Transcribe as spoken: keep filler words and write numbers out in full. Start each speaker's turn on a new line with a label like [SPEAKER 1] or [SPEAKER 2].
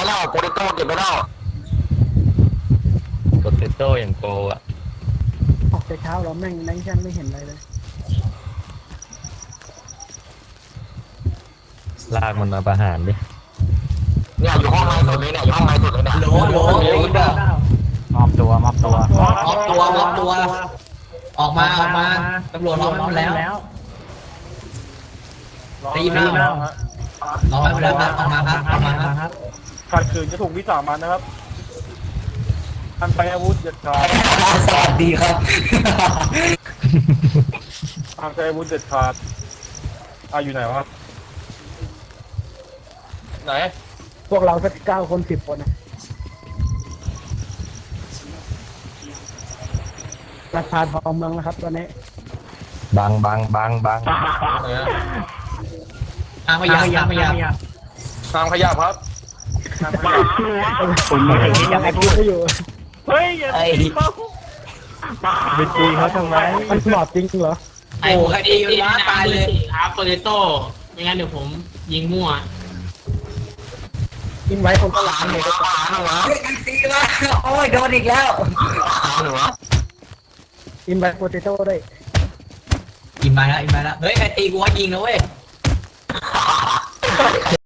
[SPEAKER 1] แล้วโปเตโต้เก็บไปแล้ว
[SPEAKER 2] โปเตโต้อย่างโกอะ
[SPEAKER 3] ออกแต่เช้าเราแม่งแม่งฉันไม่เห็นอะไรเลย
[SPEAKER 2] ลากมันมาประหารดิ
[SPEAKER 1] เนี่ยอยู่ห้องในสุดเลยเนี่ยอยู่ห้องในสุดเลยเนี่ย
[SPEAKER 4] โหลโหลโหล
[SPEAKER 3] มอบตัวมอบตัว
[SPEAKER 4] มอบตัวมอบตัวออกมาออกมาตำรวจรอมาแล้วได้ยินไหมรอมาแล้วครับออกมาครับออกมาครับ
[SPEAKER 5] ขัดขืนจะถูกวิสามันนะครับท่านใช้อาวุธเด็ดขาด
[SPEAKER 4] สวัสดีครับ
[SPEAKER 5] ทางใช้อาวุธเด็ดขาดอ่ะอยู่ไหนวะไหน
[SPEAKER 3] พวกเราสักเก้าคนสิบคนนะราคาทองเมืองนะครับตอนนี้
[SPEAKER 2] บังบังบังบัง
[SPEAKER 4] ทางพยาทางพยา
[SPEAKER 5] ทางขยับครับทางขยับ
[SPEAKER 3] ผมยังไงพูดไม่อยู่
[SPEAKER 5] เฮ้ยอย่า
[SPEAKER 4] ไอ้
[SPEAKER 3] ไปตีเขาทำไมมันสมอบจริงเหรอ
[SPEAKER 4] ไอ้หัวคดีมันล้าตายเลย
[SPEAKER 6] ครับโปเตโต้ไม่งั้นเดี๋ยวผมยิงมั่ว
[SPEAKER 3] กินไว้คนก็
[SPEAKER 1] ห
[SPEAKER 3] ล้า
[SPEAKER 1] ลาง นหนูหลานหนู
[SPEAKER 4] เฮ้ยไอ้ตีมาโอ้ยโดนอีกแล้ว
[SPEAKER 1] หลานหนู
[SPEAKER 3] กินไว้โปเตโต้ด้วย
[SPEAKER 4] อินมาแล้วอินมาแล้วเฮ้ยไอ้ตีกูว่ายิงนะเว้ย